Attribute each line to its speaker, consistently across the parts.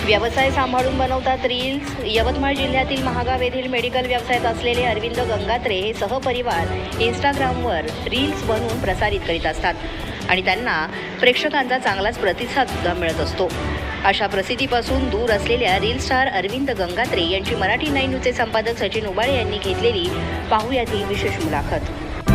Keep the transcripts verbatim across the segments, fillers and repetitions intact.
Speaker 1: व्यवसाय सांभाळून बनवतात रील्स. यवतमाळ जिल्ह्यातील महागाव येथील मेडिकल व्यवसायात असलेले अरविंद गंगात्रे हे सहपरिवार इंस्टाग्रामवर रील्स बनवून प्रसारित करीत असतात आणि त्यांना प्रेक्षकांचा चांगलाच प्रतिसाद सुद्धा मिळत असतो. अशा प्रसिद्धीपासून दूर असलेल्या रील स्टार अरविंद गंगात्रे यांची मराठी नाईन न्यूजचे संपादक सचिन उबाळे यांनी घेतलेली पाहूयात ही विशेष मुलाखत.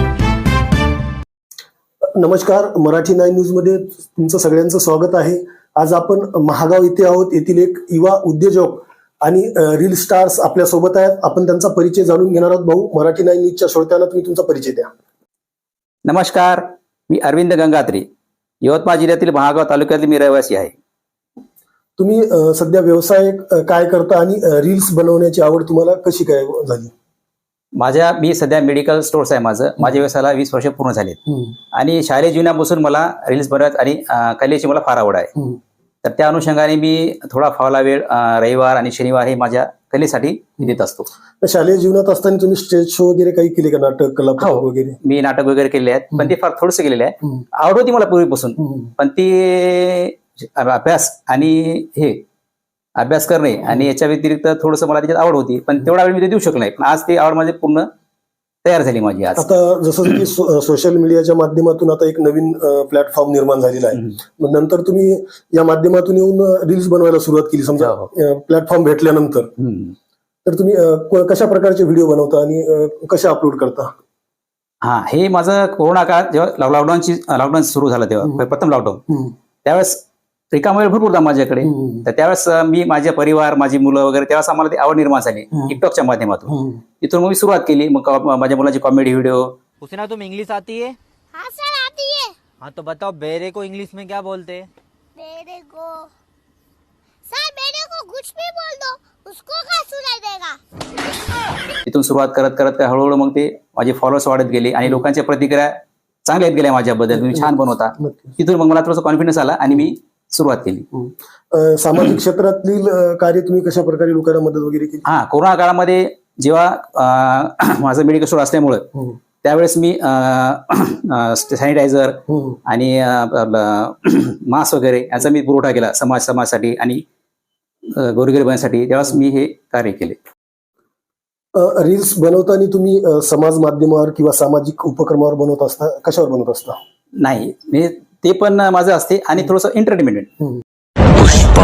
Speaker 2: नमस्कार, मराठी नाईन न्यूज मध्ये तुमचं सगळ्यांचं स्वागत आहे. आज आपण महागाव येथे आहोत. येथील एक युवा उद्योजक आणि रील स्टार्स आपल्या सोबत आहेत. आपण त्यांचा परिचय जाणून घेणार आहोत. भाऊ, मराठी नाईन न्यूजच्या श्रोत्यांना तुम्ही तुमचा परिचय द्या.
Speaker 3: नमस्कार, मी अरविंद गंगात्रे, यवतमाळ जिल्ह्यातील महागाव तालुक्यातील मी रहिवासी आहे.
Speaker 2: तुम्ही सध्या व्यवसाय काय करता आणि रील्स बनवण्याची आवड तुम्हाला कशी काय झाली?
Speaker 3: माझ्या मी सध्या मेडिकल स्टोर्स आहे माझं. माझ्या व्यवसायाला वीस वर्ष पूर्ण झालेत आणि शालेय जीवनापासून मला रील्स बनवत आणि कलेची मला फार आवड आहे. तर त्या अनुषंगाने मी थोडा फावला वेळ रविवार आणि शनिवार हे माझ्या कलेसाठी देत असतो.
Speaker 2: शालेय जीवनात असताना तुम्ही स्टेज शो वगैरे काही केले का? नाटक, कला वगैरे?
Speaker 3: मी नाटक वगैरे केले आहेत, पण ते फार थोडंसं केलेलं आहे. आवड होती मला पूर्वीपासून, पण ती अभ्यास आणि हे अभ्यास करणे आणि याच्या व्यतिरिक्त थोडंसं मला त्याच्यात आवड होती, पण तेवढा वेळ मी ते देऊ शकलो नाही. पण आज ती आवड माझी पूर्ण तयार झाली माझी. आज
Speaker 2: आता जसं की सोशल मीडियाच्या माध्यमातून आता एक नवीन प्लॅटफॉर्म निर्माण झालेला आहे. मग नंतर तुम्ही या माध्यमातून येऊन रील्स बनवायला सुरुवात केली समजा प्लॅटफॉर्म भेटल्यानंतर, तर तुम्ही कशा प्रकारचे व्हिडिओ बनवता आणि कशा अपलोड करता?
Speaker 3: हा, हे माझं कोरोना काळ जेव्हा लॉकडाऊनची लॉकडाऊन सुरू झालं तेव्हा प्रथम लॉकडाऊन, त्यावेळेस रिकामा वेळ भरपूर होता माझ्याकडे. तर त्यावेळेस मी माझे परिवार, माझी मुलं वगैरे, त्यावेळेस आम्हाला ती आवड निर्माण झाली टिकटॉकच्या माध्यमातून. तिथून मग मी सुरुवात केली. मग माझ्या मुलाची कॉमेडी व्हिडिओ.
Speaker 4: हुसैना, तुम इंग्लिश आती है?
Speaker 5: हाँ सर आती है.
Speaker 4: हाँ तो बताओ बेरे को इंग्लिश में क्या बोलते हैं?
Speaker 5: बेरे को सर बेरे को कुछ भी बोल दो, उसको क्या सुनाई देगा.
Speaker 3: तिथून सुरुवात करत करत हळूहळू मग ते माझे फॉलोअर्स वाढत गेले आणि लोकांच्या प्रतिक्रिया चांगल्या येत गेल्या माझ्याबद्दल. तुम्ही छान बनवता. तिथून मग मला थोडंसं कॉन्फिडन्स आला आणि मी सुरुवात केली.
Speaker 2: सामाजिक क्षेत्रातील कार्य तुम्ही कशा प्रकारे लोकांना मदत वगैरे केली? हा,
Speaker 3: कोरोना काळामध्ये जेव्हा माझं मेडिकल स्टोर असल्यामुळं त्यावेळेस मी सॅनिटायझर आणि मास्क वगैरे याचा मी पुरवठा केला समाज समाजासाठी आणि गोरगरिबांसाठी. त्यावेळेस मी हे कार्य केले.
Speaker 2: रील्स बनवताना तुम्ही समाज माध्यमावर किंवा सामाजिक उपक्रमावर बनवत असता, कशावर बनवत असता?
Speaker 3: नाही, मी ते पण माझं असते आणि थोडंसं एंटरटेनमेंट.
Speaker 6: पुष्पा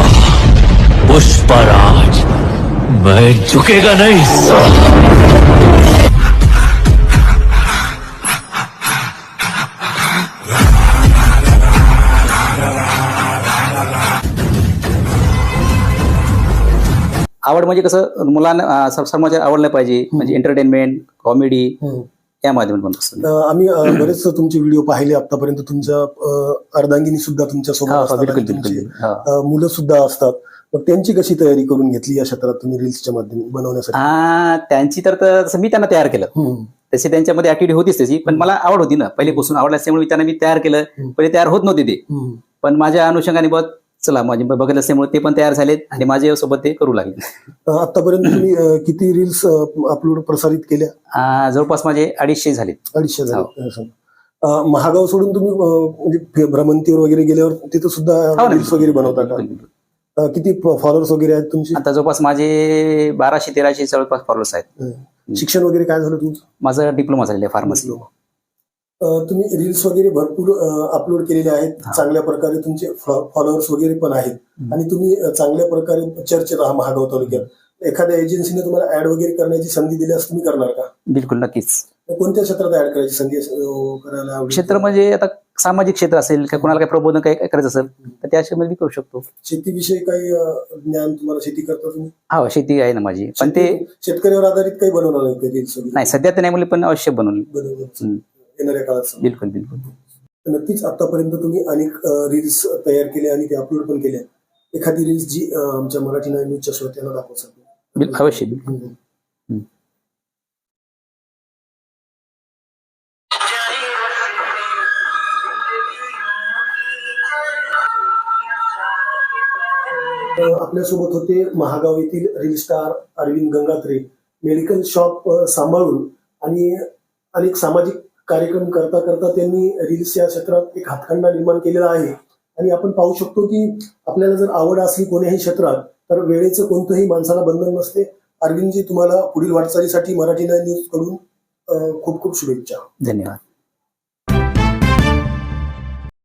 Speaker 6: पुष्पराज मैं झुकेगा नहीं.
Speaker 3: आवड म्हणजे कसं मुलांना समाजाला आवडलं पाहिजे, म्हणजे एंटरटेनमेंट, कॉमेडी या माध्यमातून असतं.
Speaker 2: आम्ही बरेच तुमचे व्हिडिओ पाहिले आतापर्यंत. तुमच्या अर्धांगिनी सुद्धा तुमच्या सोबत, मुलं सुद्धा असतात. मग त्यांची कशी तयारी करून घेतली या क्षेत्रात तुम्ही रील्सच्या माध्यमातून बनवण्यासाठी?
Speaker 3: हा, त्यांची तर तसं मी त्यांना तयार केलं. तशी त्यांच्यामध्ये ऍक्टिव्हिटी होतीच तशी, पण मला आवड होती ना पहिलेपासून. आवड असल्यामुळे त्यांना मी तयार केलं. पहिले तयार होत नव्हते ते, पण माझ्या अनुषंगाने बघ चला माझे बघत असल्यामुळे ते पण तयार झालेत आणि माझ्या सोबत ते करू लागले.
Speaker 2: आतापर्यंत तुम्ही किती रील्स अपलोड प्रसारित केल्या?
Speaker 3: जवळपास माझे अडीचशे झालेत.
Speaker 2: अडीचशे झाले. महागाव सोडून तुम्ही म्हणजे भ्रमंतीवर वगैरे गेल्यावर तिथे सुद्धा रील्स वगैरे बनवता का? किती फॉलोअर्स वगैरे आहेत तुमचे?
Speaker 3: आता जवळपास माझे बाराशे तेराशे जवळपास फॉलोअर्स आहेत.
Speaker 2: शिक्षण वगैरे काय झालं तुमचं?
Speaker 3: माझं डिप्लोमा झालेलं आहे फार्मसी.
Speaker 2: तुम्ही रील्स वगैरे भरपूर अपलोड केलेले आहेत. चांगल्या प्रकारे तुमचे फॉलोअर्स वगैरे पण आहेत आणि तुम्ही चांगल्या प्रकारे चर्चेत आहात महागाव तालुक्यात. एखाद्या एजन्सीने तुम्हाला ऍड वगैरे करण्याची संधी दिल्यास तुम्ही करणार का?
Speaker 3: बिलकुल, नक्कीच.
Speaker 2: कोणत्या क्षेत्रात ऍड करायची संधी करायला?
Speaker 3: क्षेत्र म्हणजे आता सामाजिक क्षेत्र असेल किंवा कोणाला काही प्रबोधन काही करायचं असेल तर त्या क्षेत्रामध्ये करू शकतो.
Speaker 2: शेतीविषयी काही ज्ञान तुम्हाला? शेती करता तुम्ही?
Speaker 3: हा, शेती आहे ना माझी, पण ते
Speaker 2: शेतकऱ्यावर आधारित काही बनवणार नाही रील्स?
Speaker 3: नाही, सध्या तर नाही मुले, पण अवश्य बनवली
Speaker 2: येणाऱ्या काळात.
Speaker 3: बिलकुल बिलकुल.
Speaker 2: नक्कीच. आतापर्यंत तुम्ही अनेक रील्स तयार केल्या आणि ते अपलोड पण केल्या. एखादी रील्स जी आमच्या मराठी नाईन न्यूजच्या श्रोत्यांना दाखवू?
Speaker 3: अवश्य. बिलकुल.
Speaker 2: आपल्यासोबत होते महागाव येथील reel star Arvind Gangatre. Medical shop सांभाळून आणि अनेक सामाजिक कार्यक्रम करता करता त्यांनी रील्स या क्षेत्रात एक हातखंडा निर्माण केलेला आहे. आणि आपण पाहू शकतो की आपल्याला जर आवड असली कोणत्याही क्षेत्रात तर वेळेचं कोणतंही माणसाला बंधन नसते. अरविंदजी, तुम्हाला पुढील वाटचालीसाठी मराठी नाईन न्यूज कडून अं, खूप खूप शुभेच्छा.
Speaker 3: धन्यवाद.